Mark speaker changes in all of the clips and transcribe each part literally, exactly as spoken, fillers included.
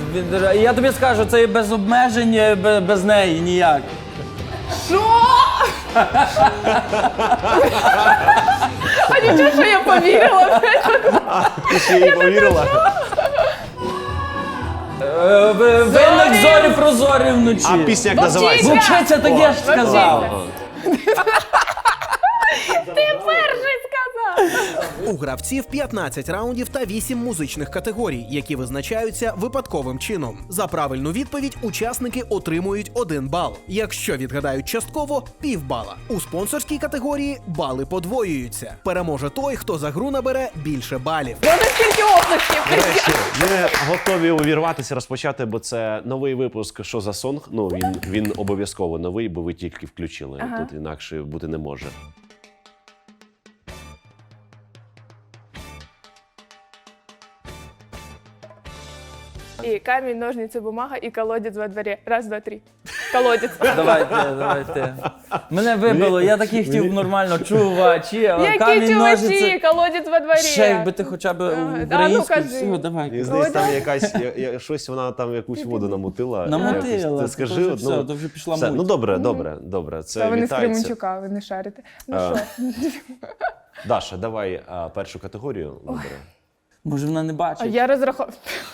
Speaker 1: Він- Я тобі скажу, це і без обмежень, і бе- без неї ніяк.
Speaker 2: Що? А нічого, що я повірила.
Speaker 3: Ти ще їй повірила?
Speaker 1: Е, ви- Винник зорі прозорі вночі.
Speaker 3: А пісня як
Speaker 2: Вовчиця!
Speaker 3: називається?
Speaker 1: Вовчиця, так я ж сказав.
Speaker 2: Вовчиця. Ти перший сказав.
Speaker 4: У гравців п'ятнадцять раундів та вісім музичних категорій, які визначаються випадковим чином. За правильну відповідь учасники отримують один бал. Якщо відгадають частково – півбала. У спонсорській категорії бали подвоюються. Переможе той, хто за гру набере більше балів.
Speaker 2: Вони скільки обласків.
Speaker 3: До речі, ми готові увірватися, розпочати, бо це новий випуск «Що за сонг?». Ну, він, він обов'язково новий, бо ви тільки включили.
Speaker 2: Ага.
Speaker 3: Тут інакше бути не може.
Speaker 2: І камінь, ножниці, бумага, і колодець во дворі. Раз, два, три. Колодець.
Speaker 1: Давайте, давайте. Мене вибило, я такий хотів нормально чувачі, але
Speaker 2: Які
Speaker 1: камінь
Speaker 2: чувачі,
Speaker 1: ножиці.
Speaker 2: колодець во дворі.
Speaker 1: Ще якби ти хоча б
Speaker 2: А ну,
Speaker 1: українською,
Speaker 2: кажи.
Speaker 1: все, давай.
Speaker 3: Мені здається, там якась, я, я, щось вона там якусь воду намутила.
Speaker 1: Намотила,
Speaker 3: Якось. Ти
Speaker 1: то
Speaker 3: скажи,
Speaker 1: вже
Speaker 3: ну,
Speaker 1: все, то вже пішла
Speaker 3: все.
Speaker 1: муть.
Speaker 3: Ну добре, добре, добре. Це
Speaker 2: Та вони з
Speaker 3: вітається.
Speaker 2: Кременчука, ви не шарите. Ну
Speaker 3: А.
Speaker 2: що?
Speaker 3: Даша, давай а, першу категорію вибери.
Speaker 1: Може вона не
Speaker 2: А
Speaker 1: бачить?
Speaker 2: я розраховувала.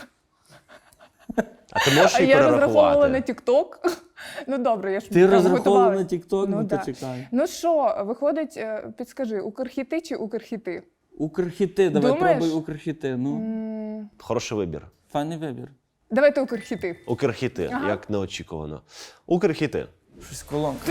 Speaker 3: А ти можеш
Speaker 2: А
Speaker 3: її
Speaker 2: я розраховувала на
Speaker 3: перерахувати?
Speaker 2: Тік-Ток. Ну добре, я ж
Speaker 1: Ти
Speaker 2: там
Speaker 1: розраховувала
Speaker 2: готувалась.
Speaker 1: на тік-ток? Ну,
Speaker 2: да.
Speaker 1: то чекай.
Speaker 2: Ну що, виходить, е, підскажи, укрхіти чи укрхіти?
Speaker 1: Укрхіти, давай
Speaker 2: Думаєш?
Speaker 1: пробуй укрхіти. Ну,
Speaker 2: М,
Speaker 3: Хороший вибір.
Speaker 1: файний вибір.
Speaker 2: Давайте укрхіти.
Speaker 3: Укрхіти,
Speaker 2: Ага.
Speaker 3: як неочікувано. Укрхіти.
Speaker 1: Щось колонка.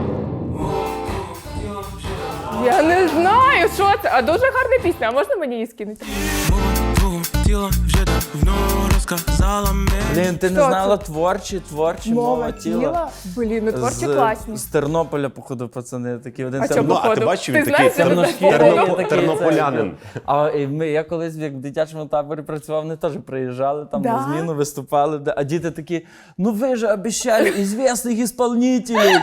Speaker 2: Я не знаю, що це. А дуже гарна пісня, а можна мені її скинути?
Speaker 5: Тіло вже давно розказала мені.
Speaker 1: Блін, ти не
Speaker 2: Що
Speaker 1: знала творчі, творчі, мова тіла.
Speaker 2: Блін, ну творчі
Speaker 1: З-
Speaker 2: класні.
Speaker 1: З Тернополя, походу, пацани, такі один
Speaker 2: А
Speaker 1: терно-
Speaker 2: чому?
Speaker 3: Ну, а ти
Speaker 2: Походу.
Speaker 3: бачив,
Speaker 2: Ти
Speaker 3: він такий
Speaker 2: знаєш, що це
Speaker 1: терношкірий,
Speaker 2: походу?
Speaker 1: такий,
Speaker 3: тернополянин.
Speaker 1: це. А і ми, я колись як в дитячому таборі працював, вони теж приїжджали там
Speaker 2: Да?
Speaker 1: на зміну, виступали, де- а діти такі, ну ви же обіцяли ізвісних исполнителей.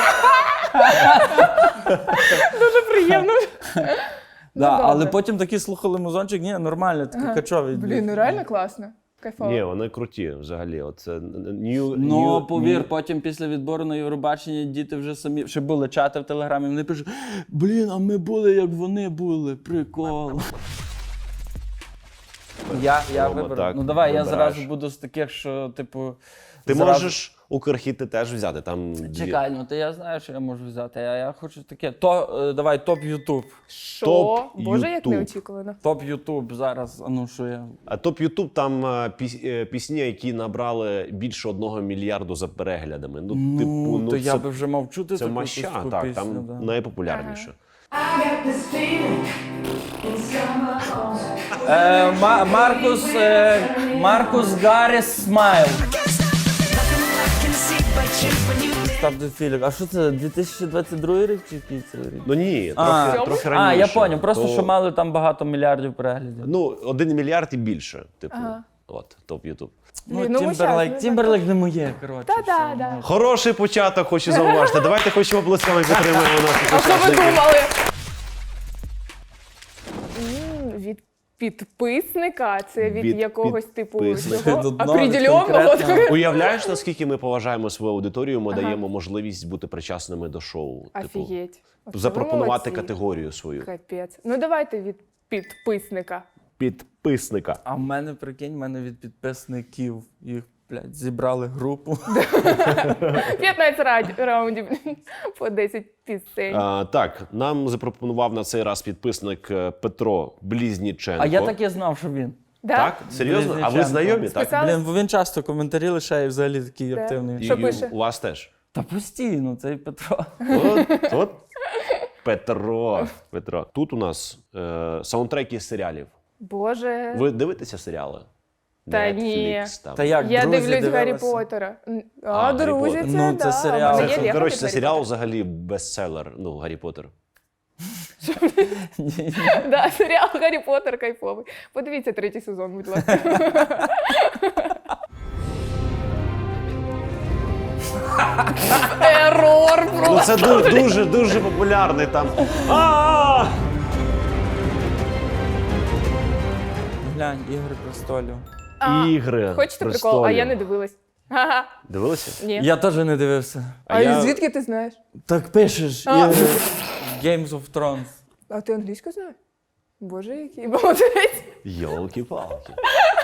Speaker 2: Дуже приємно.
Speaker 1: Да,
Speaker 2: добре.
Speaker 1: але потім такі слухали музончик, ні, нормально, такий качовий.
Speaker 2: Блін, ну реально класно. Кайфово.
Speaker 3: Ні, вони круті взагалі. Оце new,
Speaker 1: Ну,
Speaker 3: new,
Speaker 1: повір,
Speaker 3: new-
Speaker 1: потім після відбору на Євробачення діти вже самі, ще були чати в Телеграмі, вони пишуть, блін, а ми були, як вони були, прикол. Я, я
Speaker 3: Рома,
Speaker 1: виберу.
Speaker 3: так,
Speaker 1: Ну давай, я
Speaker 3: вибираєш.
Speaker 1: зразу буду з таких, що, типу.
Speaker 3: Ти
Speaker 1: зразу-
Speaker 3: можеш Укрхіти теж взяти. Там дві.
Speaker 1: Чекай, ну то я знаю, що я можу взяти. Я, я хочу таке. То, е, давай, топ Ютуб.
Speaker 2: Що?
Speaker 3: Топ
Speaker 2: Боже, як
Speaker 3: Ютуб.
Speaker 2: неочікувано.
Speaker 1: Топ Ютуб зараз, а ну що я.
Speaker 3: А топ Ютуб там е, піс- е, пісні, які набрали більше одного мільярду за переглядами. Ну,
Speaker 1: Ну,
Speaker 3: типу, ну
Speaker 1: то
Speaker 3: це,
Speaker 1: я би вже мав чути
Speaker 3: це
Speaker 1: таку
Speaker 3: маща,
Speaker 1: таку
Speaker 3: так,
Speaker 1: пісню,
Speaker 3: там
Speaker 1: да.
Speaker 3: найпопулярніше.
Speaker 1: Е, Ма- Маркус, е, Маркус Гарріс Смайл. Став до Філік. А що це, дві тисячі двадцять другий рік чи який це рік?
Speaker 3: Ну ні,
Speaker 1: А,
Speaker 3: трохи, трохи раніше.
Speaker 1: А, я поняв, просто
Speaker 3: То-
Speaker 1: що мали там багато мільярдів переглядів.
Speaker 3: Ну, один мільярд і більше, типу.
Speaker 2: Ага.
Speaker 3: От, топ Ютуб.
Speaker 1: Ну,
Speaker 2: Блін, ну, ми
Speaker 1: Тімберлейк,
Speaker 2: щас, ну,
Speaker 1: Тімберлейк не моє, коротше.
Speaker 2: Та-да,
Speaker 1: все.
Speaker 2: да.
Speaker 3: Хороший початок, хочу зауважити. Давайте хоч обласками підтримуємо наших
Speaker 2: А що ви
Speaker 3: учасників.
Speaker 2: думали? М, Від підписника? Це від,
Speaker 3: Від
Speaker 2: якогось типу
Speaker 3: підписника.
Speaker 2: цього
Speaker 1: Від одного,
Speaker 2: определеного?
Speaker 1: конкретного.
Speaker 3: Уявляєш, наскільки ми поважаємо свою аудиторію, ми даємо можливість бути причасними до шоу. Типу,
Speaker 2: Офігеть. Оце ви
Speaker 3: запропонувати
Speaker 2: молодці.
Speaker 3: категорію свою.
Speaker 2: Капець. Ну давайте від підписника.
Speaker 3: Підписника.
Speaker 1: А в мене, прикинь, в мене від підписників. Їх, блядь, зібрали групу.
Speaker 2: п'ятнадцять раді- раундів по десять пісень.
Speaker 3: А, так, нам запропонував на цей раз підписник е, Петро Близніченко.
Speaker 1: А я так і знав, що він.
Speaker 2: Да?
Speaker 3: Так? Серйозно? А ви
Speaker 1: Близніченко.
Speaker 3: знайомі? Так?
Speaker 2: Списали?
Speaker 1: Блін, бо він часто коментарі лишає, взагалі такий
Speaker 2: Да.
Speaker 1: активний.
Speaker 2: Що
Speaker 3: І- і
Speaker 2: пише?
Speaker 3: У вас теж.
Speaker 1: Та постійно, цей Петро.
Speaker 3: От, от. Петро. Петро. Тут у нас е, саундтреки з серіалів.
Speaker 2: Боже.
Speaker 3: Ви дивитеся серіали?
Speaker 2: Та ні.
Speaker 3: Netflix, там.
Speaker 1: Та як,
Speaker 2: Я
Speaker 1: друзі,
Speaker 2: дивлюсь Гаррі
Speaker 1: дивилися?
Speaker 2: Поттера. М,
Speaker 3: А,
Speaker 2: А,
Speaker 3: Гаррі
Speaker 2: друзі,
Speaker 3: Поттер.
Speaker 2: це,
Speaker 1: Ну, це
Speaker 2: да.
Speaker 1: серіал.
Speaker 2: У мене
Speaker 3: Це,
Speaker 2: є Лего
Speaker 3: коротше,
Speaker 2: від
Speaker 3: це
Speaker 2: Гаррі
Speaker 3: серіал
Speaker 2: Поттера.
Speaker 3: взагалі бестселер. Ну, Гаррі Поттер.
Speaker 2: Да, серіал Гаррі Поттер кайфовий. Подивіться третій сезон, будь ласка. Ерор
Speaker 3: Ну
Speaker 2: просто.
Speaker 3: це дуже, дуже, дуже популярний там. А!
Speaker 1: Глянь, Ігри престолів.
Speaker 2: А,
Speaker 3: Ігри
Speaker 2: Хочете прикол?
Speaker 3: престолів.
Speaker 2: А я не дивилась. Ага.
Speaker 3: Дивилися?
Speaker 2: Ні.
Speaker 1: Я теж не дивився.
Speaker 2: А,
Speaker 3: я-
Speaker 2: звідки ти знаєш?
Speaker 1: Так пишеш.
Speaker 2: А.
Speaker 1: Ігри. Games of Thrones.
Speaker 2: А ти англійську знаєш? Боже, який молодець.
Speaker 3: Йолки-палки.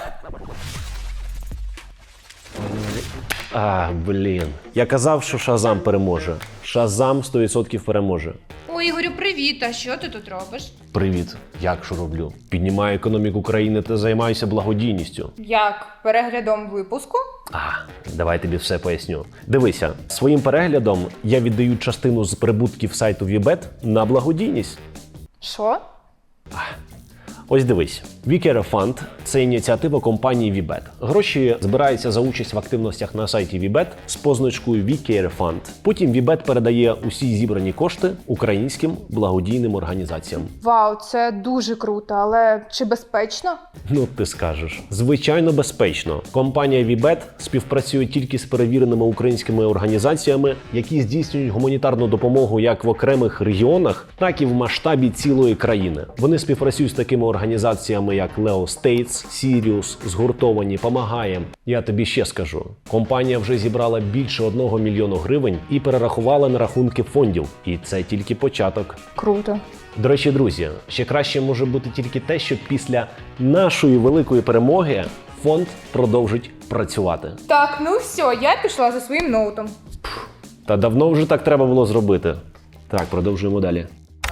Speaker 3: А, блін. Я казав, що Шазам переможе. Шазам сто відсотків переможе.
Speaker 6: Ой, Ігорю, привіт! А що ти тут робиш?
Speaker 3: Привіт. Як що роблю? Піднімаю економіку країни та займаюся благодійністю.
Speaker 6: Як? Переглядом випуску?
Speaker 3: А, давай тобі все поясню. Дивися, своїм переглядом я віддаю частину з прибутків сайту Вібет на благодійність.
Speaker 2: Що?
Speaker 3: Ось дивись, WeCare Fund – це ініціатива компанії Вібет. Гроші збираються за участь в активностях на сайті Вібет з позначкою WeCare Fund. Потім Вібет передає усі зібрані кошти українським благодійним організаціям.
Speaker 6: Вау, це дуже круто, але чи безпечно?
Speaker 3: Ну, ти скажеш. Звичайно, безпечно. Компанія Вібет співпрацює тільки з перевіреними українськими організаціями, які здійснюють гуманітарну допомогу як в окремих регіонах, так і в масштабі цілої країни. Вони співпрацюють з такими організаціями, як Leo States, Sirius, Згуртовані, Помагаєм. Я тобі ще скажу. Компанія вже зібрала більше одного мільйону гривень і перерахувала на рахунки фондів. І це тільки початок.
Speaker 6: Круто.
Speaker 3: До речі, друзі, ще краще може бути тільки те, що після нашої великої перемоги фонд продовжить працювати.
Speaker 6: Так, ну все, я пішла за своїм ноутом.
Speaker 3: Та давно вже так треба було зробити. Так, продовжуємо далі.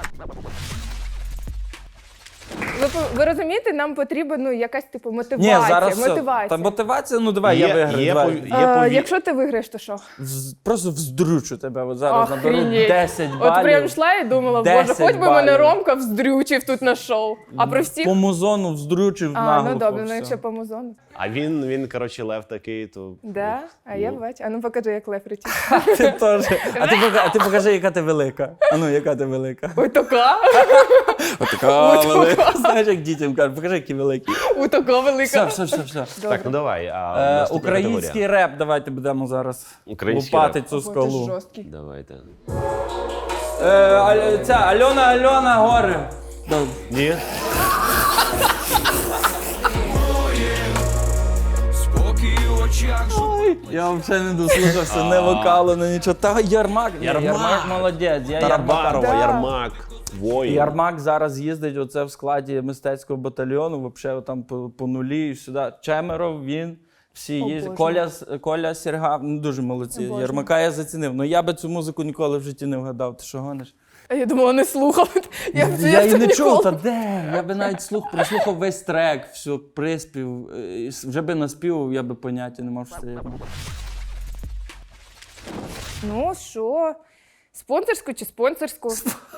Speaker 2: Ви, ви розумієте, нам потрібна ну, якась типу мотивація.
Speaker 1: Ні, зараз все.
Speaker 2: мотивація.
Speaker 1: Та мотивація, ну давай, я виграю.
Speaker 3: Є,
Speaker 1: давай.
Speaker 3: пові- є
Speaker 2: А,
Speaker 3: пові-
Speaker 2: якщо ти виграєш, то що?
Speaker 1: Вз- Просто вздрючу тебе. От зараз наберу
Speaker 2: Охренеть.
Speaker 1: десять балів.
Speaker 2: От прям йшла і думала, боже,
Speaker 1: десять
Speaker 2: хоч би мене
Speaker 1: балів.
Speaker 2: Ромка вздрючив тут на шоу. А про всіх...
Speaker 1: По музону вздрючив
Speaker 2: А,
Speaker 1: наглухо.
Speaker 2: ну добре, ну
Speaker 1: все.
Speaker 2: якщо по музону.
Speaker 3: А він, він, коротше, лев такий, то...
Speaker 2: Да? А я бачу. А ну покажи, як лев летить.
Speaker 1: Ти теж. А ти, покажи, а ти покажи, яка ти велика. А ну, яка ти велика.
Speaker 2: Ой, така.
Speaker 1: От така
Speaker 2: От
Speaker 1: велика.
Speaker 2: така.
Speaker 1: Знаєш, як дітям кажуть, покажи, які великі.
Speaker 2: Ой, така
Speaker 1: Все,
Speaker 2: велика.
Speaker 1: все, все, все.
Speaker 3: Так, ну давай, а
Speaker 1: Е,
Speaker 3: наступна
Speaker 1: український
Speaker 3: категорія.
Speaker 1: реп, давайте будемо зараз
Speaker 3: Український
Speaker 1: лупати
Speaker 3: реп.
Speaker 1: цю
Speaker 2: Ой, ти
Speaker 1: скалу.
Speaker 2: жорсткий.
Speaker 3: Давайте.
Speaker 1: Е, Аль- ця, Альона, Альона, гори. Да.
Speaker 3: Ні?
Speaker 1: Ой, я взагалі не дослухався, не вокалу, не нічого. Та Ярмак, ні,
Speaker 3: Ярмак.
Speaker 1: Ярмак молодець. Я Ярмака.
Speaker 3: Тарабарова,
Speaker 2: Да.
Speaker 3: Ярмак, воїн.
Speaker 1: Ярмак зараз їздить оце в складі мистецького батальйону, взагалі там по, по нулі і сюди. Чемеров, він, всі
Speaker 2: О,
Speaker 1: їздять.
Speaker 2: Боже.
Speaker 1: Коля, С- Коля Серга, ну дуже молодці.
Speaker 2: О, Боже.
Speaker 1: Ярмака я зацінив. Ну я би цю музику ніколи в житті не вгадав. Ти що гониш?
Speaker 2: А я думала, не слухав. Я, б-
Speaker 1: Я
Speaker 2: б
Speaker 1: і
Speaker 2: це
Speaker 1: не чув,
Speaker 2: ніколи-
Speaker 1: та де? Я би навіть слух, прослухав весь трек, все, приспів. е, і с- Вже би наспівав, я би поняття не мав, що це Ярмак.
Speaker 2: Ну що? Спонсорську чи спонсорську?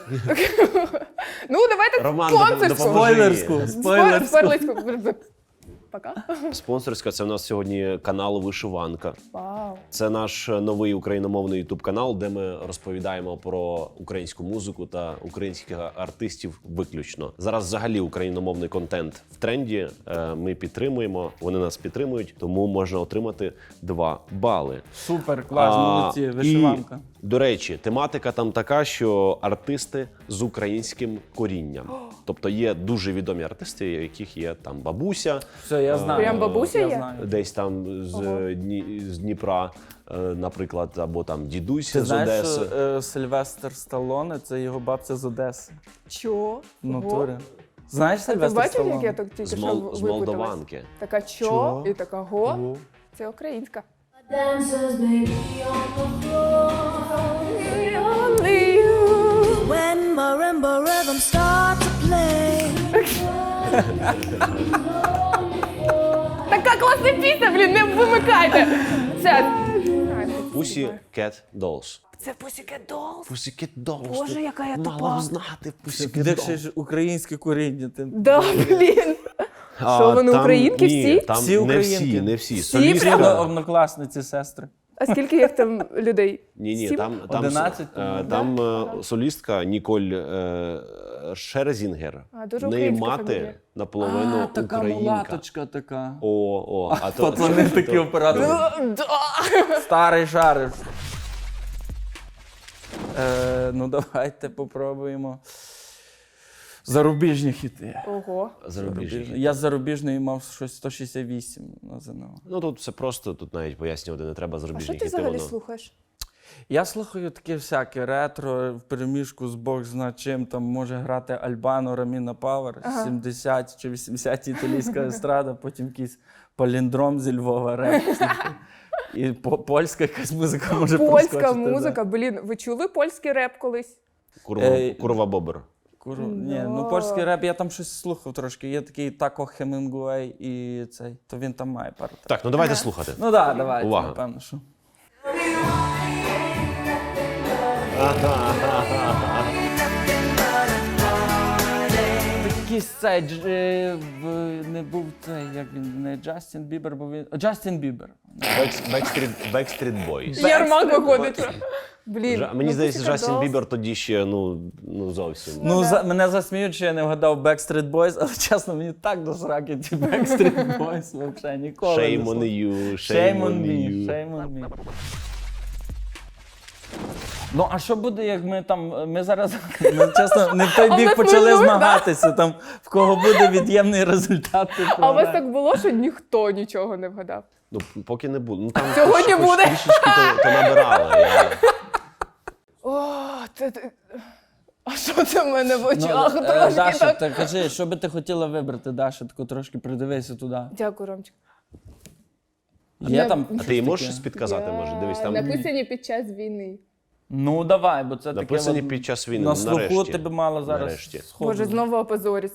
Speaker 2: Ну, давайте
Speaker 3: Роман,
Speaker 2: спонсорську.
Speaker 3: допоможи.
Speaker 1: Спойлерську,
Speaker 2: Спор-
Speaker 1: спойлерську.
Speaker 2: Спойлерську. Пока.
Speaker 3: Спонсорська – це в нас сьогодні канал Вишиванка.
Speaker 2: Вау.
Speaker 3: Це наш новий україномовний ютуб-канал, де ми розповідаємо про українську музику та українських артистів виключно. Зараз взагалі україномовний контент в тренді. Е, Ми підтримуємо, вони нас підтримують, тому можна отримати два бали.
Speaker 1: Супер, клас,
Speaker 3: А,
Speaker 1: молодці, вишиванка.
Speaker 3: І, до речі, тематика там така, що артисти з українським корінням. Тобто є дуже відомі артисти, у яких є там бабуся,
Speaker 1: Все, я знаю.
Speaker 2: Прям бабуся
Speaker 1: я
Speaker 2: є?
Speaker 1: знаю.
Speaker 3: десь там з,
Speaker 2: Ого.
Speaker 3: Дні, з Дніпра, е, наприклад, або там дідусь
Speaker 1: Ти
Speaker 3: з
Speaker 1: знаєш,
Speaker 3: Одеси.
Speaker 1: що е, Сильвестр Сталлоне, це його бабця з Одеси.
Speaker 2: Чо?
Speaker 1: В натурі. Знаєш
Speaker 2: А ти
Speaker 1: Сильвестр
Speaker 2: бачив,
Speaker 1: Сталлоне?
Speaker 2: як я так тільки
Speaker 3: З,
Speaker 2: що
Speaker 3: Мол, з
Speaker 2: випуталась?
Speaker 3: Молдаванки.
Speaker 2: Така чо
Speaker 1: Чо?
Speaker 2: і така го.
Speaker 1: Ого.
Speaker 2: Це українська.
Speaker 7: Dancers may be on the floor when marimba rhythms start to play.
Speaker 2: Така класна пісня, блін, не вимикайте. Це...
Speaker 3: Pussy Cat Dolls.
Speaker 2: Це Pussycat Dolls.
Speaker 3: Pussycat Dolls.
Speaker 2: Боже,
Speaker 3: ти
Speaker 2: яка я
Speaker 3: мала
Speaker 2: тупа.
Speaker 3: б знати Pussycat
Speaker 1: Де
Speaker 3: Dolls.
Speaker 1: ще ж українське коріння? Ти...
Speaker 2: Да, блін.
Speaker 3: А,
Speaker 2: Що, вони
Speaker 3: там-
Speaker 2: українки
Speaker 3: ні,
Speaker 2: всі?
Speaker 3: Там
Speaker 1: Всі
Speaker 3: не
Speaker 1: українки.
Speaker 3: всі, не всі.
Speaker 2: Всі
Speaker 3: Солістка-
Speaker 2: прямо?
Speaker 1: Однокласниці, сестри.
Speaker 2: А скільки їх там людей?
Speaker 3: Ні, ні,
Speaker 2: Сім?
Speaker 3: там, там,
Speaker 1: одинадцять,
Speaker 3: е,
Speaker 1: по-моєму.
Speaker 3: там е, солістка Ніколь е, Шерзінгер.
Speaker 2: А, дуже
Speaker 3: В неї
Speaker 2: українська
Speaker 3: мати
Speaker 2: фамілія.
Speaker 3: наполовину
Speaker 1: А, така
Speaker 3: українка.
Speaker 1: мулаточка така.
Speaker 3: О, о, а то
Speaker 1: Пацани такі оператори. Старий шариш. Е, ну давайте попробуємо. Зарубіжні хіти.
Speaker 2: Ого.
Speaker 3: Зарубіжні.
Speaker 1: Я з зарубіжної мав щось сто шістдесят вісім на ЗНО.
Speaker 3: Ну тут все просто, тут навіть пояснювати не треба
Speaker 2: А
Speaker 3: зарубіжні
Speaker 2: що
Speaker 3: хіти.
Speaker 2: ти взагалі
Speaker 3: воно-
Speaker 2: слухаєш?
Speaker 1: Я слухаю таке всяке ретро, в переміжку з Бог зна чим, там може грати Альбано, Раміна Павер,
Speaker 2: Ага.
Speaker 1: сімдесят чи вісімдесят італійська естрада, потім якийсь паліндром зі Львова, реп. І по- польська якась музика може
Speaker 2: Польська
Speaker 1: проскочити, да.
Speaker 2: музика. Блін, ви чули польський реп колись?
Speaker 3: Курва,
Speaker 1: Ей.
Speaker 3: курва бобер.
Speaker 1: Куру... Ні,
Speaker 2: Ну.
Speaker 1: ну польський реп, я там щось слухав трошки. Є такий Тако Хемінгуей і цей, то він там має пару.
Speaker 3: Так, ну давайте слухати.
Speaker 1: Ну так, да, давайте,
Speaker 3: Увага.
Speaker 1: напевно, що. Якийсь цей, дж- е, в- не був цей, як він, не Джастін Бібер, бо він... О, Джастін Бібер.
Speaker 3: Backstreet, Backstreet Boys.
Speaker 2: Ярмак виходить. Блін.
Speaker 3: Жа- Мені
Speaker 2: ну,
Speaker 3: здається,
Speaker 2: Pussycat
Speaker 3: Джастін
Speaker 2: Dolls.
Speaker 3: Бібер тоді ще, ну, ну зовсім.
Speaker 1: Ну, за, мене засміють, що я не вгадав Backstreet Boys, але чесно, мені так до сраки ті Backstreet Boys, взагалі ніколи не
Speaker 3: Shame on
Speaker 1: слухав.
Speaker 3: you,
Speaker 1: Shame on me,
Speaker 3: you.
Speaker 1: shame on me. Ну, а що буде, як ми там, ми зараз, ми, чесно, не в той
Speaker 2: А
Speaker 1: бік
Speaker 2: ми
Speaker 1: почали
Speaker 2: хвилюємо, да?
Speaker 1: змагатися, там, в кого буде від'ємний результат. ти
Speaker 2: А у вас
Speaker 1: програєш.
Speaker 2: так було, що ніхто нічого не вгадав?
Speaker 3: Ну, поки не буде. Ну, там
Speaker 2: Сьогодні
Speaker 3: хоч- хоч
Speaker 2: буде.
Speaker 3: трішечки то, то набирали. Я...
Speaker 2: О, це ти. А що це в мене в
Speaker 1: Ну,
Speaker 2: очах?
Speaker 1: е,
Speaker 2: Трошки
Speaker 1: Даша,
Speaker 2: так.
Speaker 1: та кажи, що би ти хотіла вибрати, Даша, таку трошки придивися туди.
Speaker 2: Дякую, Ромчик.
Speaker 1: Є
Speaker 2: Не-
Speaker 1: там
Speaker 3: А
Speaker 1: щось
Speaker 3: ти їй можеш
Speaker 1: таке?
Speaker 3: щось підказати, може? Дивись, там
Speaker 2: Написані під час війни.
Speaker 1: Ну, давай, бо це
Speaker 3: написані
Speaker 1: таке... от
Speaker 3: під час війни.
Speaker 1: На
Speaker 3: ну,
Speaker 1: слуху
Speaker 3: нарешті.
Speaker 1: тебе мало зараз
Speaker 3: Нарешті.
Speaker 1: сходу.
Speaker 2: Боже, знову опозорість.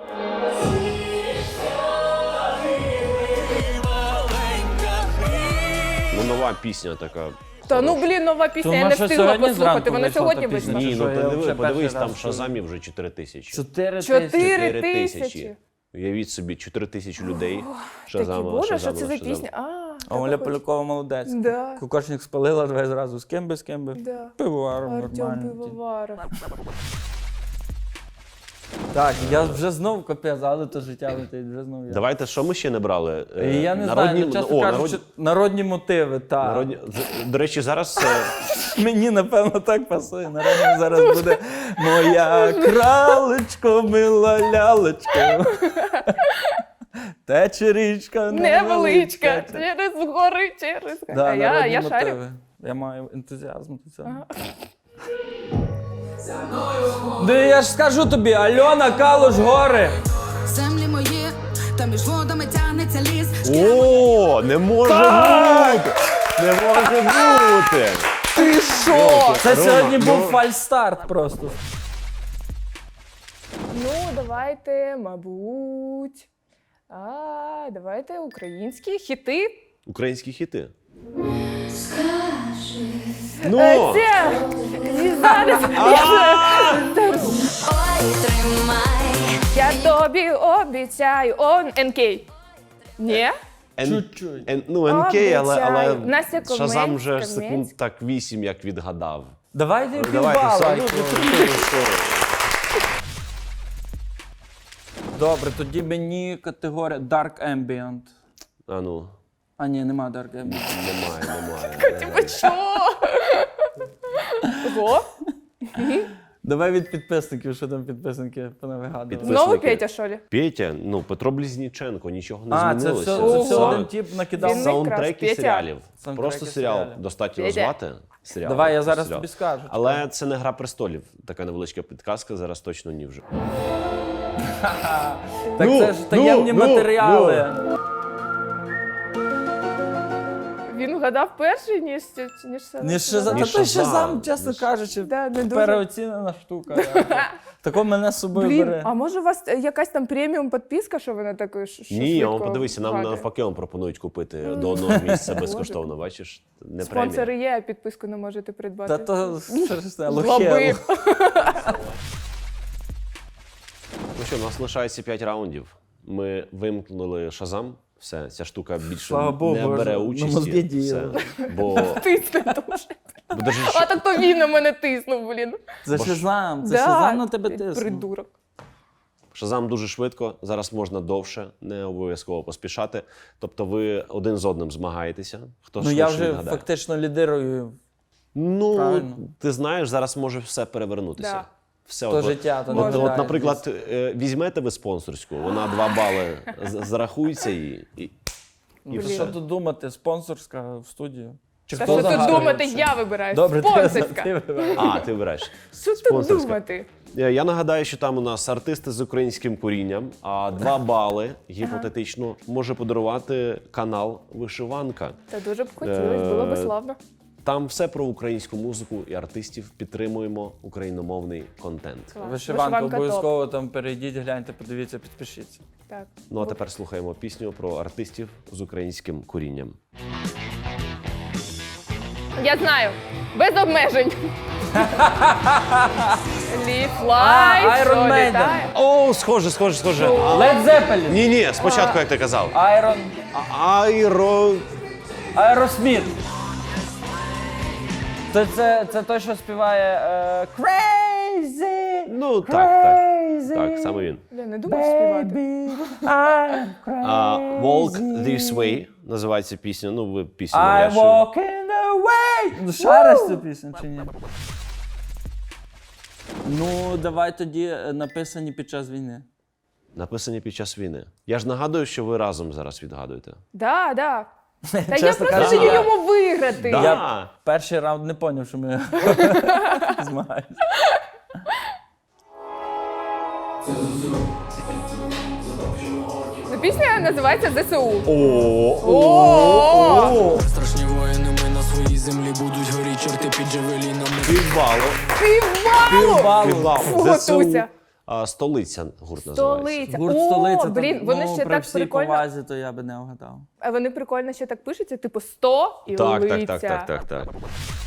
Speaker 3: Ну, нова пісня така.
Speaker 2: Та ну блін, нова пісня,
Speaker 1: То
Speaker 2: я
Speaker 1: вона
Speaker 2: не
Speaker 1: що
Speaker 2: встигла
Speaker 1: сьогодні
Speaker 2: послухати,
Speaker 1: зранку
Speaker 2: вона
Speaker 1: вийшла
Speaker 2: сьогодні
Speaker 1: та пісня?
Speaker 2: вийшла.
Speaker 3: Ні,
Speaker 1: що,
Speaker 3: ну
Speaker 1: я
Speaker 3: подиви,
Speaker 1: вже
Speaker 3: подивись,
Speaker 1: перший
Speaker 3: там
Speaker 1: раз
Speaker 3: в Шазамі вже чотири тисячі.
Speaker 1: Чотири
Speaker 2: Чотири
Speaker 1: тисячі.
Speaker 3: чотири
Speaker 2: тисячі.
Speaker 3: тисячі. Уявіть собі, чотири тисячі людей.
Speaker 2: Такі,
Speaker 3: Шазама,
Speaker 2: боже, що
Speaker 3: Шазама,
Speaker 2: це за
Speaker 3: Шазама.
Speaker 2: пісня? А,
Speaker 1: А
Speaker 2: така
Speaker 1: Оля
Speaker 2: хоч-
Speaker 1: Полякова молодець.
Speaker 2: Да.
Speaker 1: Кукошник спалила, давай зразу з ким би, з ким би.
Speaker 2: Да.
Speaker 1: Пивоваром
Speaker 2: Артем
Speaker 1: нормально.
Speaker 2: Пивоваров.
Speaker 1: Так, я вже знов капець, але то життя летить, вже знов я.
Speaker 3: Давайте, що ми ще не брали?
Speaker 1: І
Speaker 3: Е,
Speaker 1: я не
Speaker 3: народні,
Speaker 1: знаю, ну, чесно
Speaker 3: о,
Speaker 1: кажучи,
Speaker 3: народні,
Speaker 1: народні мотиви, так.
Speaker 3: народні, з- до речі, зараз е,
Speaker 1: Мені, напевно, так пасує. Народні зараз буде моя кралечко, мила лялечко. Тече річка
Speaker 2: Невеличка, через гори, через...
Speaker 1: Да,
Speaker 2: а я,
Speaker 1: народні
Speaker 2: я шарю.
Speaker 1: мотиви. Я маю ентузіазм до цього. Да я ж скажу тобі, Альона Калуш гори.
Speaker 8: Землі мої, та між водами тягнеться ліс.
Speaker 3: О, не може бути! Не може бути!
Speaker 2: Ти що?
Speaker 1: Це
Speaker 3: Рома,
Speaker 1: сьогодні був
Speaker 3: ну-
Speaker 1: фальстарт просто.
Speaker 2: Ну, давайте, мабуть. А, давайте українські хіти.
Speaker 3: Українські хіти.
Speaker 7: Скажи,
Speaker 3: Ну!
Speaker 2: Е, Це, і зараз,
Speaker 7: ой, тримай.
Speaker 2: я тобі обіцяю, он ен кей. Ні?
Speaker 3: Н-
Speaker 1: Чуть-чуть.
Speaker 3: Н- ну, ен кей, але, але
Speaker 2: Обіцяю. Настя Каменська,
Speaker 3: Шазам вже
Speaker 2: Каменська.
Speaker 3: секунд так вісім, як відгадав.
Speaker 1: Давайте
Speaker 3: Давайте,
Speaker 1: півбала.
Speaker 3: Санько,
Speaker 1: ну,
Speaker 3: чотири, чотири.
Speaker 1: Добре, тоді мені категорія Dark Ambient.
Speaker 3: А ну,
Speaker 1: А ні, нема Dark Ambient.
Speaker 3: немає, немає.
Speaker 2: Типа що? Ого?
Speaker 1: Давай від підписників, що там підписники понавигадували.
Speaker 3: Підпис-
Speaker 2: Знову
Speaker 3: Висники.
Speaker 2: Петя, що ли?
Speaker 3: Петя, ну, Петро Близніченко, нічого не
Speaker 1: А, це
Speaker 3: змінилося.
Speaker 1: все, це все
Speaker 2: Ого.
Speaker 1: один тип накидав.
Speaker 2: Він не
Speaker 3: Саундтреки
Speaker 2: Петя.
Speaker 3: серіалів.
Speaker 1: Саундтреки
Speaker 3: Просто серіал
Speaker 1: серіалів.
Speaker 3: достатньо
Speaker 2: Петя.
Speaker 3: назвати. Серіал,
Speaker 1: Давай, я
Speaker 3: просто
Speaker 1: зараз
Speaker 3: серіал.
Speaker 1: тобі скажу.
Speaker 3: Але це не Гра престолів. Така невеличка підказка, зараз точно ні вже.
Speaker 1: Так
Speaker 3: Ну,
Speaker 1: це ж таємні
Speaker 3: ну, ну,
Speaker 1: матеріали.
Speaker 2: Він вгадав перший, ніж, ніж це.
Speaker 1: Ні, ще за
Speaker 3: Ні,
Speaker 1: та той
Speaker 3: Шазам.
Speaker 1: Шазам, чесно
Speaker 3: Ні,
Speaker 1: кажучи,
Speaker 2: Да, не дуже.
Speaker 1: переоцінена штука. Тако мене з собою
Speaker 2: Блін,
Speaker 1: бере.
Speaker 2: а може у вас е, якась там преміум підписка, що ви на такої ш- що
Speaker 3: Ні,
Speaker 2: швидко
Speaker 3: он подивися, нам
Speaker 2: вгадує?
Speaker 3: навпаки он пропонують купити до одного місця безкоштовно, бачиш? Не премія.
Speaker 2: Спонсори є, а підписку не можете придбати.
Speaker 1: Та то що ж це,
Speaker 2: Жлоби.
Speaker 1: лохе.
Speaker 3: Ну що, у нас лишається п'ять раундів. Ми вимкнули Шазам. Все, ця штука більше
Speaker 1: Слава Богу,
Speaker 3: не бере
Speaker 1: на
Speaker 3: участі.
Speaker 1: мозги
Speaker 3: Все.
Speaker 1: діяла.
Speaker 3: Бо,
Speaker 2: Тисне дуже.
Speaker 3: бо даже
Speaker 2: А так то він на мене тиснув, блін.
Speaker 1: Це
Speaker 3: Бо ж-
Speaker 1: Шазам, це
Speaker 2: Да,
Speaker 1: Шазам на тебе
Speaker 2: ти
Speaker 1: тисне.
Speaker 2: Придурок.
Speaker 3: Шазам дуже швидко, зараз можна довше, не обов'язково поспішати. Тобто ви один з одним змагаєтеся. Хто
Speaker 1: Ну
Speaker 3: швидше
Speaker 1: я вже
Speaker 3: відгадає.
Speaker 1: фактично лідирую.
Speaker 3: Ну,
Speaker 1: Правильно.
Speaker 3: ти знаєш, зараз може все перевернутися.
Speaker 2: Да.
Speaker 3: Все,
Speaker 1: То
Speaker 3: от,
Speaker 1: життя, то
Speaker 3: от,
Speaker 1: не
Speaker 3: от,
Speaker 1: вважає,
Speaker 3: наприклад, е, візьмете ви спонсорську, вона два бали з- зарахується і, і, і
Speaker 1: Ну,
Speaker 3: все.
Speaker 1: що тут думати, спонсорська в студію. Чи
Speaker 2: Та
Speaker 1: хто
Speaker 2: що тут
Speaker 1: загадує
Speaker 2: думати,
Speaker 1: це?
Speaker 2: я вибираю.
Speaker 1: Добре, ти,
Speaker 2: Спонсорська.
Speaker 1: ти вибираєш.
Speaker 3: А, ти вибираєш.
Speaker 2: Що тут
Speaker 3: Спонсорська.
Speaker 2: думати?
Speaker 3: Е, Я нагадаю, що там у нас артисти з українським корінням, а два бали гіпотетично може подарувати канал Вишиванка.
Speaker 2: Та дуже б хотілося, було б
Speaker 3: Е,
Speaker 2: славно.
Speaker 3: Там все про українську музику і артистів. Підтримуємо україномовний контент.
Speaker 2: Клас.
Speaker 1: Вишиванка
Speaker 2: топ.
Speaker 1: обов'язково там перейдіть, гляньте, подивіться, підпишіться.
Speaker 2: Так.
Speaker 3: Ну а тепер слухаємо пісню про артистів з українським корінням.
Speaker 2: Я знаю. Без обмежень. Лі флай,
Speaker 1: А, Iron
Speaker 2: що
Speaker 1: Maiden.
Speaker 2: літає.
Speaker 3: О, схоже, схоже, схоже.
Speaker 1: Led Zeppelin.
Speaker 3: Ні, ні, спочатку, як ти казав.
Speaker 1: Iron.
Speaker 3: Айро.
Speaker 1: Aerosmith. Це, це, це той, що співає е, Crazy.
Speaker 3: Ну, так, так.
Speaker 1: Crazy.
Speaker 3: Так, саме він.
Speaker 2: Бля, не думав співати.
Speaker 1: Baby, I'm crazy.
Speaker 3: А, Walk This Way називається пісня. Ну, ви пісню
Speaker 1: I
Speaker 3: навряд чи-
Speaker 1: walk in the way. Ну, шариш цю пісню чи ні? Ну, давай тоді е, написані під час війни.
Speaker 3: Написані під час війни. Я ж нагадую, що ви разом зараз відгадуєте.
Speaker 2: Да, да. Та я
Speaker 1: Чесно
Speaker 2: просто
Speaker 1: кажучи,
Speaker 2: даю йому виграти.
Speaker 3: Да.
Speaker 1: Я перший раунд не зрозумів, що ми змагаємося.
Speaker 2: Ну, пісня називається ЗСУ.
Speaker 3: О,
Speaker 5: Страшні воїни, ми на своїй землі будуть горі, чорти під джавелінами.
Speaker 3: півбалу.
Speaker 2: Півбалу!
Speaker 3: Півбалу.
Speaker 2: Фу,
Speaker 3: ЗСУ.
Speaker 2: Готуйся.
Speaker 3: А, столиця гурт називається.
Speaker 2: Столиця.
Speaker 1: Гурт
Speaker 2: О,
Speaker 1: столиця.
Speaker 2: блін,
Speaker 1: там,
Speaker 2: вони
Speaker 1: ну,
Speaker 2: ще
Speaker 1: при
Speaker 2: так
Speaker 1: всій
Speaker 2: прикольно.
Speaker 1: повазі, то я би не вгадав.
Speaker 2: А вони прикольно ще так пишуться, типу сто і
Speaker 3: Так,
Speaker 2: лиця.
Speaker 3: так, так, так, так, так.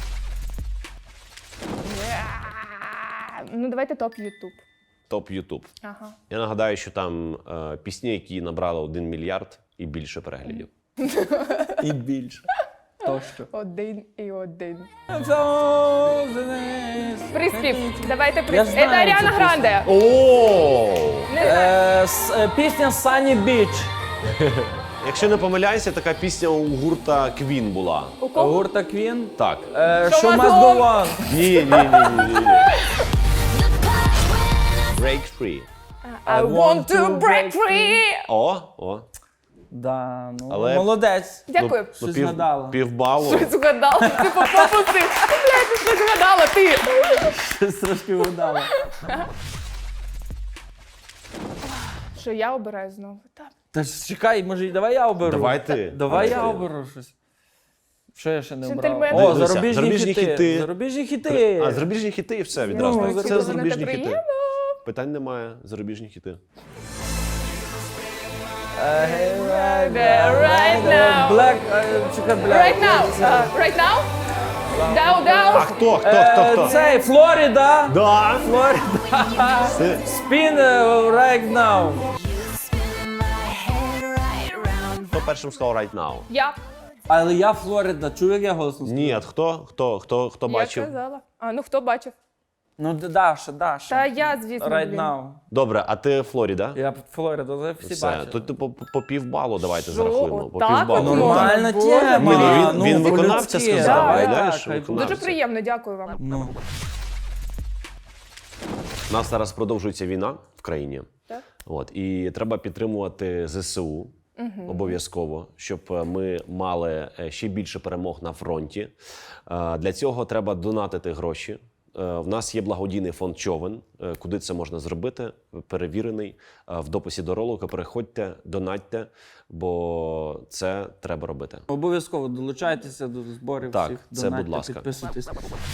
Speaker 2: Ну, давайте топ Ютуб.
Speaker 3: Топ Ютуб.
Speaker 2: Ага.
Speaker 3: Я нагадаю, що там е, пісні, які набрали один мільярд і більше переглядів.
Speaker 1: І більше. То що?
Speaker 2: Один і один.
Speaker 1: Приспів.
Speaker 2: Приспів. Давайте
Speaker 1: Я
Speaker 2: приспів.
Speaker 1: знаю
Speaker 2: Це Аріана
Speaker 1: цю
Speaker 2: Гранде.
Speaker 3: О!
Speaker 2: Не знаю.
Speaker 1: Е, с- е, Пісня Sunny Beach.
Speaker 3: Якщо не помиляюся, така пісня у гурта Queen була.
Speaker 2: У кого?
Speaker 1: Гурта Queen.
Speaker 3: Так.
Speaker 1: Е,
Speaker 2: Show
Speaker 1: Show
Speaker 2: must
Speaker 1: must
Speaker 2: go
Speaker 1: go on.
Speaker 3: Ні, ні, ні, ні, ні, ні. Break free.
Speaker 2: I want to break free.
Speaker 3: О, о.
Speaker 1: Да, ну,
Speaker 3: Але-
Speaker 1: молодець.
Speaker 2: Дякую.
Speaker 3: Ну,
Speaker 1: Щось
Speaker 3: пів,
Speaker 1: згадала.
Speaker 3: півбалу.
Speaker 2: Щось згадала. Типу пропустив. Блядь, ти щось згадала, ти.
Speaker 1: Щось трошки вгадала.
Speaker 2: Що я обираю знову? Так.
Speaker 1: Та ж чекай, може, давай я оберу.
Speaker 3: Давай ти.
Speaker 1: Давай я
Speaker 3: Давай ти.
Speaker 1: оберу щось. Що я ще не обрав?
Speaker 2: Джентльмен.
Speaker 1: О,
Speaker 3: Дивися,
Speaker 1: зарубіжні,
Speaker 3: зарубіжні
Speaker 1: хіти.
Speaker 3: хіти.
Speaker 1: Зарубіжні хіти.
Speaker 3: А, зарубіжні хіти і все відразу.
Speaker 1: Ну,
Speaker 3: це
Speaker 1: це
Speaker 3: зарубіжні
Speaker 2: буде
Speaker 3: хіти.
Speaker 2: приємно.
Speaker 3: Питань немає. Зарубіжні хіти.
Speaker 1: Right
Speaker 2: Right now.
Speaker 1: Black, е, чекай, Black.
Speaker 2: Right now. Uh, right now? Down, down.
Speaker 3: А хто, хто,
Speaker 1: Е,
Speaker 3: хто, хто?
Speaker 1: Цей, Флорида.
Speaker 3: Да.
Speaker 1: Флорида.
Speaker 3: Це-
Speaker 1: Spin е, right now.
Speaker 3: Хто першим сказав right now?
Speaker 2: Я.
Speaker 1: Але я Флорида. Чув, як я голосно сказав?
Speaker 3: Ні, а хто? Хто, хто, хто
Speaker 2: Я
Speaker 3: бачив?
Speaker 2: сказала. А, ну хто бачив?
Speaker 1: Ну, Д- Даша, Даша.
Speaker 2: Та я, звісно,
Speaker 1: Right
Speaker 2: блін.
Speaker 1: now.
Speaker 3: Добре, а ти Флоріда?
Speaker 1: Я Флорида, це всі
Speaker 3: Все,
Speaker 1: бачили.
Speaker 3: тут по, по, по півбалу давайте
Speaker 2: Що?
Speaker 3: зарахуємо. По
Speaker 2: Отак
Speaker 3: півбалу.
Speaker 2: от можна?
Speaker 1: Нормальна
Speaker 2: Боже.
Speaker 1: тема.
Speaker 3: Ні, ну він- він
Speaker 1: по-людськи.
Speaker 3: виконавця сказав,
Speaker 1: Да,
Speaker 3: уявляєш,
Speaker 1: так,
Speaker 3: що
Speaker 1: хай
Speaker 3: виконавця.
Speaker 2: Дуже приємно, дякую вам.
Speaker 1: Ну.
Speaker 3: У нас зараз продовжується війна в країні.
Speaker 2: Так.
Speaker 3: От, і треба підтримувати ЗСУ обов'язково, щоб е, ми мали е, ще більше перемог на фронті. Е, Для цього треба донатити гроші. Е, В нас є благодійний фонд Човен, е, куди це можна зробити, перевірений. Е, В дописі до ролика переходьте, донатьте, бо це треба робити.
Speaker 1: Обов'язково долучайтеся до зборів
Speaker 3: Так,
Speaker 1: всіх.
Speaker 3: це,
Speaker 1: донатьте,
Speaker 3: будь ласка.
Speaker 1: Підписуйтесь.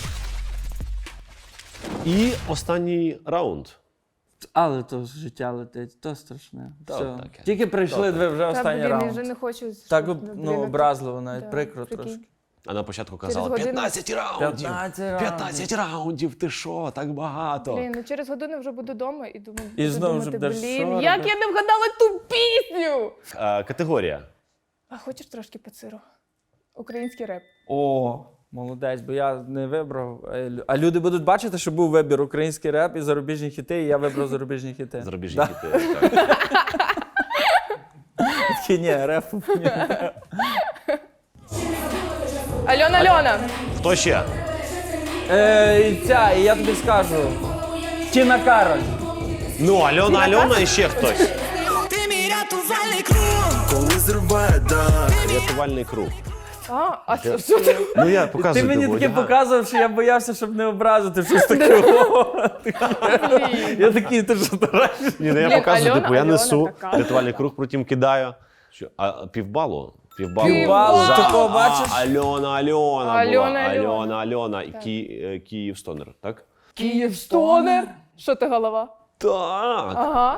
Speaker 3: І останній раунд.
Speaker 1: Але то ж життя летить, то страшне.
Speaker 3: То
Speaker 1: Все.
Speaker 3: таке.
Speaker 1: Тільки прийшли, ви вже
Speaker 2: Та,
Speaker 1: останній
Speaker 2: блін, я
Speaker 1: раунд.
Speaker 2: вже не хочу.
Speaker 1: Так,
Speaker 2: щоб,
Speaker 1: ну,
Speaker 2: блін,
Speaker 1: образливо навіть,
Speaker 2: да,
Speaker 1: прикро
Speaker 2: прикинь.
Speaker 1: трошки.
Speaker 3: А на початку казали
Speaker 2: годину-
Speaker 3: п'ятнадцять раундів!
Speaker 1: п'ятнадцять раундів.
Speaker 3: п'ятнадцять раундів, ти що, так багато?
Speaker 2: Блін, ну через годину вже буду вдома і думаю,
Speaker 1: І
Speaker 2: буду
Speaker 1: знову
Speaker 2: думати,
Speaker 1: ж будеш,
Speaker 2: блін,
Speaker 1: що
Speaker 2: як
Speaker 1: робити?
Speaker 2: я не вгадала ту пісню!
Speaker 3: Е, Категорія.
Speaker 2: А хочеш трошки по сиру? Український реп.
Speaker 1: О, молодець, бо я не вибрав. е, лю- А люди будуть бачити, що був вибір український реп і зарубіжні хіти, і я вибрав зарубіжні хіти.
Speaker 3: Зарубіжні
Speaker 1: Да.
Speaker 3: хіти. Так.
Speaker 1: Такі, ні, реп. Ні.
Speaker 2: Альона, Альона!
Speaker 3: Хто ще?
Speaker 1: Е, і ця, і я тобі скажу. Тіна Кароль.
Speaker 3: Ну, Альона, Альона і ще хтось.
Speaker 8: Ти мій рятувальний круг.
Speaker 5: Коли зриває дах.
Speaker 3: Рятувальний круг.
Speaker 2: А, а що, що ти?
Speaker 3: Ну я
Speaker 1: Ти
Speaker 3: показую.
Speaker 1: мені
Speaker 3: тобі,
Speaker 1: таке
Speaker 3: одягаю.
Speaker 1: показував, що я боявся, щоб не образити щось таке. Я такий, ти що дурак?
Speaker 3: Ні, ну я
Speaker 2: Блін,
Speaker 3: показую,
Speaker 2: Альона-
Speaker 3: типу, я
Speaker 2: Альона
Speaker 3: несу
Speaker 2: така.
Speaker 3: рятувальний круг, потім кидаю. Що, а півбалу? Півбалу.
Speaker 1: Півбалу,
Speaker 3: За-
Speaker 1: такого
Speaker 3: а,
Speaker 1: бачиш?
Speaker 3: Альона, Альона була.
Speaker 2: Альона, Альона.
Speaker 3: Альона, Альона. І Ки, е, Київ Стонер, так?
Speaker 2: Київстонер. Що ти голова?
Speaker 3: Так.
Speaker 2: Ага.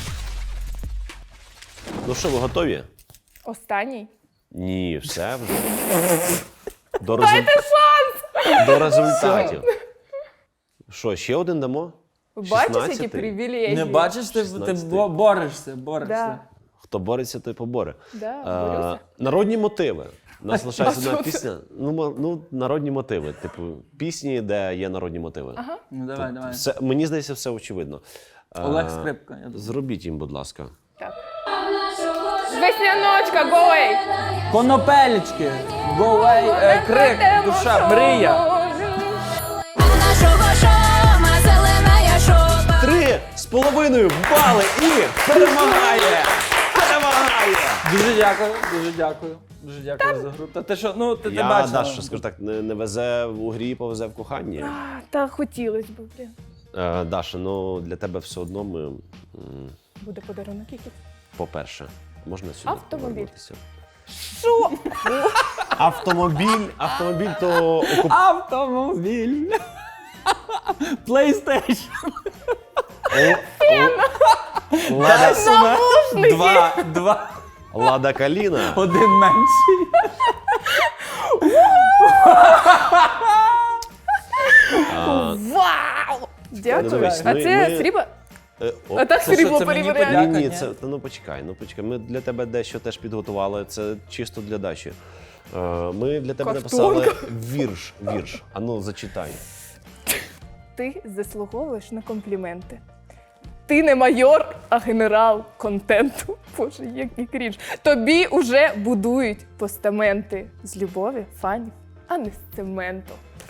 Speaker 3: Ну що, ви готові?
Speaker 2: Останній.
Speaker 3: Ні, все вже. До, резу... До результатів. Що, ще один дамо?
Speaker 2: Бачиш, які
Speaker 3: шістнадцятий?
Speaker 2: привілегії?
Speaker 1: Не бачиш, ти, ти
Speaker 3: шістнадцятий.
Speaker 1: бо- борешся, борешся.
Speaker 2: Да.
Speaker 3: Хто бореться, той поборе.
Speaker 2: Да,
Speaker 3: Е,
Speaker 2: борюся.
Speaker 3: народні мотиви. У нас лишається
Speaker 2: що
Speaker 3: одна
Speaker 2: це?
Speaker 3: пісня. Ну, мо- ну, народні мотиви. Типу, пісні, де є народні мотиви.
Speaker 2: Ага.
Speaker 1: Ну давай, давай.
Speaker 3: Все, мені здається, все очевидно. Е,
Speaker 1: Олег Скрипка. Я думаю.
Speaker 3: Зробіть їм, будь ласка.
Speaker 2: Так. Весняночка, go away!
Speaker 1: Конопелечки, go away, е, крик, душа, мрія.
Speaker 8: Нашого шома, зелена я шоба.
Speaker 3: Три з половиною бали і перемагає! Перемагає!
Speaker 1: Дуже дякую, дуже дякую. Дуже дякую за гру. Та ти що, ну ти, ти
Speaker 3: Я,
Speaker 1: бачила.
Speaker 3: Даша, скажу так, не, не везе в грі, повезе в коханні.
Speaker 2: А, Та хотілося б, блін.
Speaker 3: Е, Даша, ну для тебе все одно ми, м,
Speaker 2: Буде подарунок якийсь.
Speaker 3: по-перше, можна сюди
Speaker 2: Автомобіль.
Speaker 3: повернутися?
Speaker 2: Що?
Speaker 3: Автомобіль, автомобіль то окуп...
Speaker 1: Автомобіль. PlayStation.
Speaker 3: Лада,
Speaker 1: Два, два,
Speaker 3: Лада Каліна.
Speaker 1: один менший.
Speaker 2: Вау! Дякую.
Speaker 3: дивись,
Speaker 2: А
Speaker 3: ми-
Speaker 2: це
Speaker 3: ми-
Speaker 2: срібло?
Speaker 3: Е, о,
Speaker 2: А так
Speaker 1: Це що,
Speaker 2: срібло
Speaker 1: це мені
Speaker 2: перевіряє.
Speaker 1: подяка?
Speaker 3: Ні, ні,
Speaker 1: ні?
Speaker 3: це та ну почекай, ну почекай. Ми для тебе дещо теж підготували. Це чисто для Даші. Е, Ми для тебе
Speaker 2: Картонка.
Speaker 3: написали вірш. Вірш. А ну зачитай.
Speaker 2: Ти заслуговуєш на компліменти. Ти не майор, а генерал контенту. Боже, який крінж. Тобі уже будують постаменти з любові, фанів, а не з цементу.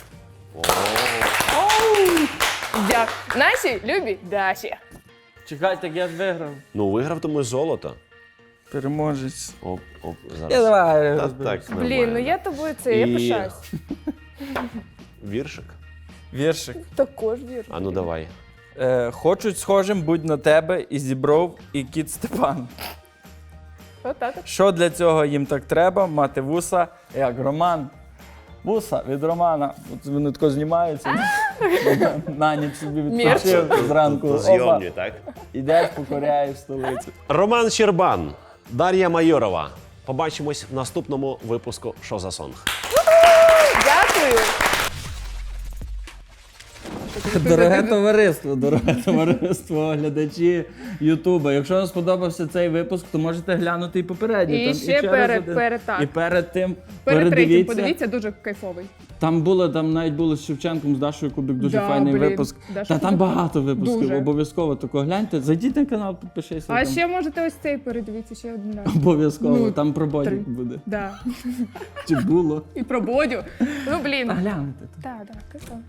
Speaker 2: Дякую. Наші любі Даші.
Speaker 1: Чекай, так я ж виграв.
Speaker 3: Ну, виграв тому золото.
Speaker 1: Переможець.
Speaker 3: Оп, оп,
Speaker 1: Я
Speaker 3: зараз.
Speaker 1: давай
Speaker 3: Та
Speaker 1: розберусь.
Speaker 3: так,
Speaker 2: Блін,
Speaker 3: нормально.
Speaker 2: ну я тобою це, я
Speaker 3: І-
Speaker 2: пишаюсь.
Speaker 3: Віршик?
Speaker 1: Віршик.
Speaker 2: Також вірю.
Speaker 3: А ну давай.
Speaker 1: Е, хочуть схожим будь на тебе і зібров, і кіт Степан.
Speaker 2: Отак.
Speaker 1: Що для цього їм так треба? Мати вуса, як Роман. Вуса від Романа. От вони тако знімаються. На ніч собі відпочив зранку. Опа,
Speaker 3: Зйомні, так?
Speaker 1: ідеш, покоряєш столицю.
Speaker 3: Роман Щербан, Дар'я Майорова. Побачимось в наступному випуску «Що за сонг».
Speaker 2: Дякую.
Speaker 1: Дороге товариство, дороге товариство, глядачі Ютуба. Якщо вам сподобався цей випуск, то можете глянути і попередній.
Speaker 2: І
Speaker 1: там,
Speaker 2: ще
Speaker 1: через
Speaker 2: перед-
Speaker 1: один.
Speaker 2: перед, так.
Speaker 1: І перед тим
Speaker 2: Перед третім,
Speaker 1: передивіться.
Speaker 2: подивіться, дуже кайфовий.
Speaker 1: Там було, там навіть було з Шевченком, з Дашою Кубик, дуже
Speaker 2: Да,
Speaker 1: файний
Speaker 2: блін,
Speaker 1: випуск.
Speaker 2: Даша
Speaker 1: Та там
Speaker 2: Кубик.
Speaker 1: багато випусків,
Speaker 2: Дуже.
Speaker 1: обов'язково тако гляньте. Зайдіть на канал, підпишися.
Speaker 2: А
Speaker 1: там.
Speaker 2: ще можете ось цей передивитися ще один раз.
Speaker 1: Обов'язково,
Speaker 2: Ну,
Speaker 1: там про бодік
Speaker 2: три.
Speaker 1: буде.
Speaker 2: Да.
Speaker 1: Чи було?
Speaker 2: І про Бодю. Ну, блін.
Speaker 1: Та гляньте.
Speaker 2: Так, так, так.